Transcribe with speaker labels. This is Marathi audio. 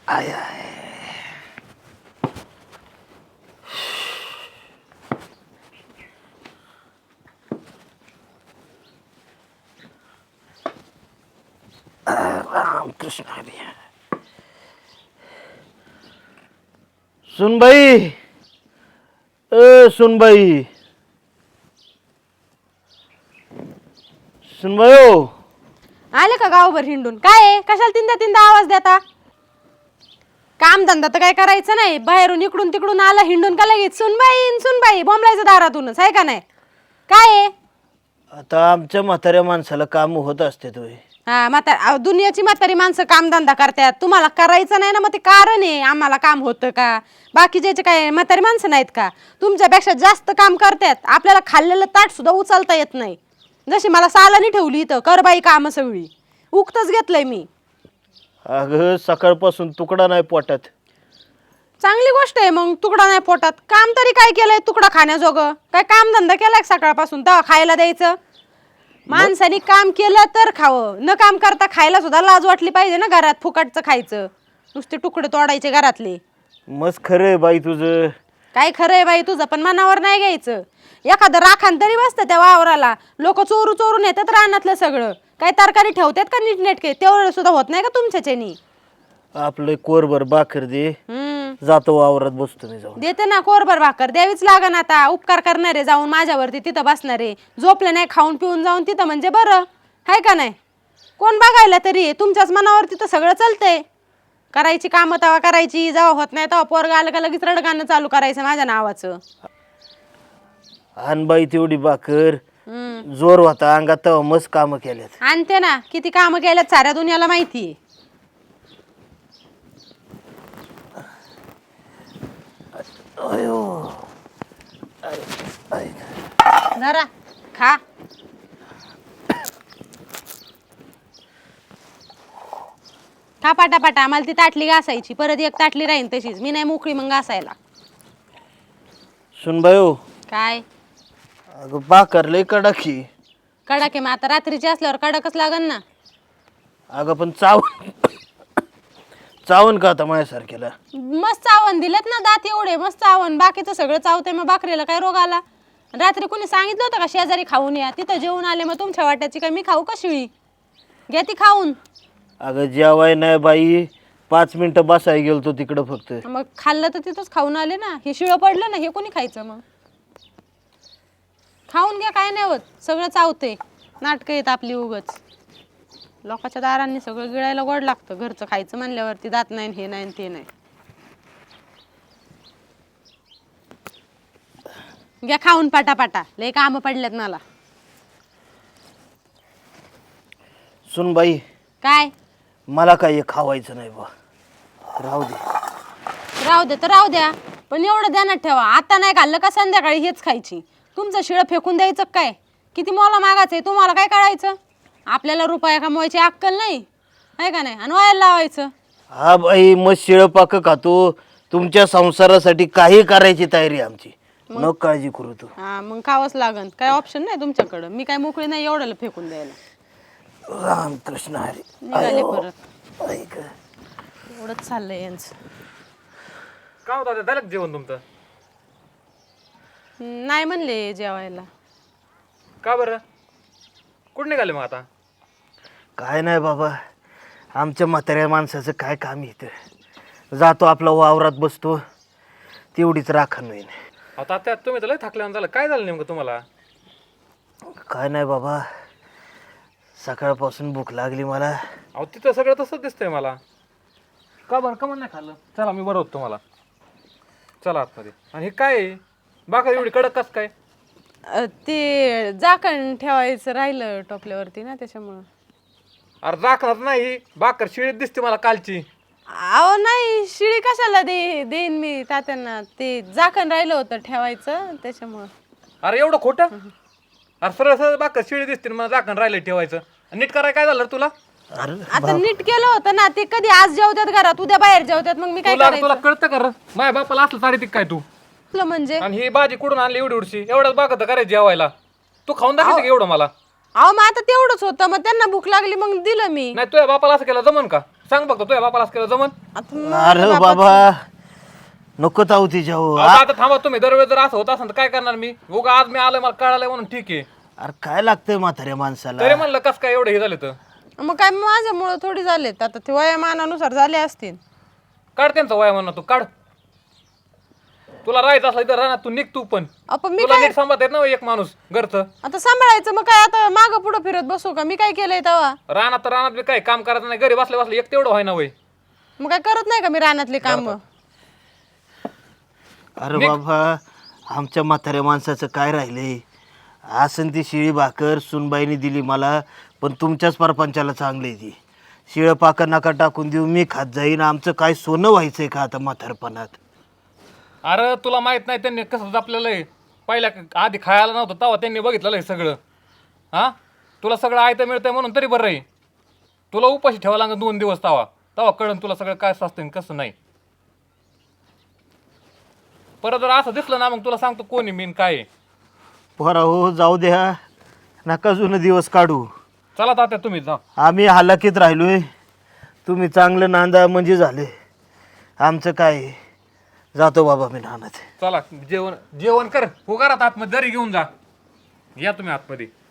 Speaker 1: I I Ramakrishna Hari. सुनबाई, सुनबाई, सुनबाई हो.
Speaker 2: आले का गावभर हिंडून? काय आहे? कशाला तीनदा तीनदा आवाज देता? काम धंदा तर काय करायचं नाही, बाहेरून इकडून तिकडून आला हिंडून का लगेच सुनबाई सुनबाई बोंबलायचं दारातूनच, आहे का नाही? काय आहे?
Speaker 1: आता आमच्या म्हाताऱ्या माणसाला काम होत असते तुम्ही.
Speaker 2: हा दुनियाची म्हातारी माणसं काम धंदा करतात, तुम्हाला करायचं नाही ना, मग ते कारण आहे आम्हाला काम होतं का? बाकीचे काय म्हातारी माणसं नाहीत का? तुमच्यापेक्षा जास्त काम करतात. आपल्याला खाल्लेलं ताट सुद्धा उचलता येत नाही. जशी मला सालानी ठेवली इथं कर बाई काम सगळी, उगतच घेतलंय मी.
Speaker 1: अगं सकाळपासून तुकडा नाही पोटात.
Speaker 2: चांगली गोष्ट आहे मग, तुकडा नाही पोटात. काम तरी काय केलंय तुकडा खाण्याजोगं? काय काम धंदा केलाय सकाळपासून तेव्हा खायला द्यायचं? माणसाने काम केलं तर खावं, न काम करता खायला सुद्धा लाज वाटली पाहिजे ना. घरात फुकटचं खायचं, नुसते तुकडे तोडायचे घरातले.
Speaker 1: मस्त खरं आहे बाई तुझं.
Speaker 2: काय खरं आहे बाई तुझं, पण मनावर नाही घ्यायचं. एखादं राखान तरी बसतं त्या वावराला, लोक चोरू चोरून येतात रानातलं सगळं. काय तरकारी ठेवतात का नीटनेटके? तेवढं सुद्धा होत नाही का तुमच्याच्यानी?
Speaker 1: आपलं कोरभर भाकर दे, जातो वावरात बसतो मी जाऊन.
Speaker 2: देते ना कोरभर भाकर, द्यावीच लागन. आता उपकार करणारे जाऊन माझ्यावरती तिथं बसणारे, झोपले नाही खाऊन पिऊन जाऊन तिथं म्हणजे बरं आहे का नाही? कोण बघायला तरी? तुमच्याच मनावर तिथं सगळं चालतंय. करायची कामं तेव्हा करायची, जेव्हा होत नाही तेव्हा पोरगा आलं का लगेच रडगाणं चालू करायचं माझ्या नावाचं.
Speaker 1: आण बाई तेवढी भाकर, जोर होता अंगात तेव्हा मस्त कामं केल्यात.
Speaker 2: आणते ना, किती कामं केल्यात साऱ्या दुनियाला माहिती.
Speaker 1: अयो
Speaker 2: जरा खा. खा पाटापाटा. आम्हाला ती ताटली घासायची, परत एक ताटली राहीन तशीच. मी नाही मोकळी मग घासायला.
Speaker 1: सुनबाई हो.
Speaker 2: काय
Speaker 1: अगं भाकर लय कडकी.
Speaker 2: कडक आहे मग आता रात्रीची असल्यावर कडकच लागन ना.
Speaker 1: अगं पण चावण का आता माझ्यासारख्याला?
Speaker 2: मस्त चावण दिलेत ना, दात एवढे मस्त चावण. बाकीचं सगळं चावते, मग भाकरीला काय रोग आला? रात्री कोणी सांगितलं होतं का शेजारी खाऊन या? तिथं जेवून आले, मग तुमच्या वाट्याची काय मी खाऊ का शिळी? घ्या ती खाऊन.
Speaker 1: अगं जेवाय नाही बाई, 5 मिनिटं बसाय गेलतो तिकडं फक्त.
Speaker 2: मग खाल्लं तर तिथंच खाऊन आले ना. हे शिळं पडलं ना, हे कोणी खायचं? मग खाऊन घ्या, काय नाही होत. सगळं चावते, नाटकं येत आपली उगच. लोकांच्या दारांनी सगळं गिळायला गोड लागतं. घरचं खायचं म्हणल्यावरती दात नाही, हे नाही ते नाही. घ्या खाऊन पाटापाटा, लय कामं पडल्यात मला.
Speaker 1: सुनबाई,
Speaker 2: काय
Speaker 1: मला काही खावायचं नाही बा, राहू दे.
Speaker 2: राहू दे तर राहू द्या, पण एवढं ध्यानात ठेवा, आता नाही खाल्लं का संध्याकाळी हेच खायची. तुमचं शिळं फेकून द्यायचं काय? किती मोला मागायचंय तुम्हाला? काय कळायचं? आपल्याला रुपया कमवायची अक्कल नाही आहे का नाही? आणि वायाला लावायचं.
Speaker 1: हा बाई, मग शिळपाक खातो. तुमच्या संसारासाठी काही करायची तयारी आमची, न काळजी करू तू.
Speaker 2: हा मग खावंच लागन, काय ऑप्शन नाही तुमच्याकडं. मी काय मोकळी नाही एवढ्याला फेकून द्यायला.
Speaker 1: रामकृष्ण हरी.
Speaker 2: निघाले परत.
Speaker 1: ऐक,
Speaker 2: एवढंच चाललंय यांचं.
Speaker 3: काय होतं झालं का जेवण तुमचं?
Speaker 2: नाही म्हणले जेवायला.
Speaker 3: का बरं? कुठं निघाले मग आता?
Speaker 1: काय नाही बाबा, आमच्या म्हाताऱ्या माणसाचं काय काम इथं. जातो आपला वावरात बसतो, तेवढीच राखण होईन.
Speaker 3: आता त्यात तुम्ही तर लय थकल्यानं झालं. काय झालं नेमकं तुम्हाला?
Speaker 1: काय नाही बाबा, सकाळपासून भूक लागली मला.
Speaker 3: अहो तिथं सगळं तसंच दिसतंय मला. का बरं का नाही खाल्लं? चला मी बरं होतो तुम्हाला. चला आतमध्ये. आणि हे काय आहे? भाकर एवढी कडक कस काय?
Speaker 2: ते झाकण ठेवायचं राहिलं टोपल्यावरती ना, त्याच्यामुळं.
Speaker 3: अरे राखणार नाही, भाकर शिळीत दिसते मला कालची.
Speaker 2: अहो नाही, शिळी कशाला देईन मी तात्यांना. ते झाकण राहिलं होतं ठेवायचं, त्याच्यामुळं.
Speaker 3: अरे एवढं खोटं? अरे सरळ सरळ भाकर शिळी दिसते, मला झाकण राहिलं ठेवायचं. नीट करायला काय झालं रे तुला?
Speaker 2: आता नीट केलं होतं ना. ते कधी आज जेवतात घरात, उद्या बाहेर जेवतात, मग मी काय
Speaker 3: तुला
Speaker 2: करायचं?
Speaker 3: कळतं का रे? माझ्या बापाला असलं साडी काय तू?
Speaker 2: म्हणजे
Speaker 3: आणि ही भाजी कुठून आणली एवढी एवढीशी? एवढ्याच भाकर तर करायची जेवायला. तू खाऊन दाखवायचं का एवढं मला?
Speaker 2: अहो मग आता तेवढंच होतं, मग त्यांना भूक लागली मग दिलं मी.
Speaker 3: नाही तुझ्या बापाला असं केलं जमन का? सांग फक्त तुझ्या बापाला असं केलं जमन?
Speaker 2: आता मग
Speaker 1: अरे बाबा नको ताऊ तिच्यावर.
Speaker 3: आता आता थांबा तुम्ही. दरवेळेस जर असं होत असेल तर काय करणार मी? उगा आज मी आलोय मला कळालंय म्हणून ठीक आहे.
Speaker 1: अरे काय लागतंय म्हाताऱ्या माणसाला?
Speaker 3: तरी म्हणलं कस काय एवढं हे झालं तर
Speaker 2: मग काय माझ्यामुळं थोडी झालेत, आता ते वयामानानुसार झाले असतील.
Speaker 3: काढ त्यांचा वया म्हणणं तू काढ. तुला राहायचं असलं तर राहणार तू निघ तू पण.
Speaker 2: आपण मी
Speaker 3: तुला नीट सांभाळत येत ना एक माणूस घरचं.
Speaker 2: आता सांभाळायचं, मग काय आता मागं पुढं फिरत बसू का? मी काय केलंय तेव्हा?
Speaker 3: रानात तर रानात बी काय काम करायचं नाही, घरी बसले बसले एक तेवढं व्हाय ना वय.
Speaker 2: मग काय करत नाही का मी रानातली काम?
Speaker 1: अरे बाबा आमच्या म्हाताऱ्या माणसाचं काय राहिलंय? आसन ती शिळी भाकर सुनबाईने दिली मला, पण तुमच्याच परपंचाला चांगली ती शिळं पाकर नका टाकून देऊ, मी खात जाईन. आमचं काय सोनं व्हायचंय का आता म्हातारपणात?
Speaker 3: अरे तुला माहित नाही त्यांनी कसं जपलेलं आहे. पहिल्या आधी खायला नव्हतं तेव्हा त्यांनी बघितलेलं आहे सगळं. हा तुला सगळं आयतं मिळतंय म्हणून तरी बरं आहे. तुला उपाशी ठेवावं लागेल 2 दिवस तेव्हा तेव्हा कळण तुला सगळं काय असतं कसं नाही. परत जर असं दिसलं ना मग तुला सांगतो कोणी मीन काय आहे.
Speaker 1: पोरा हो जाऊ द्या, नका जुनं दिवस काढू.
Speaker 3: चला तात्या तुम्ही जा.
Speaker 1: आम्ही हालाकीत राहिलोय, तुम्ही चांगलं नांदा म्हणजे झाले. आमचं काय आहे? जातो बाबा मी नानात.
Speaker 3: चला जेवण जेवण कर. हो घरात आतमध्ये जरी घेऊन जा. या तुम्ही आतमध्ये.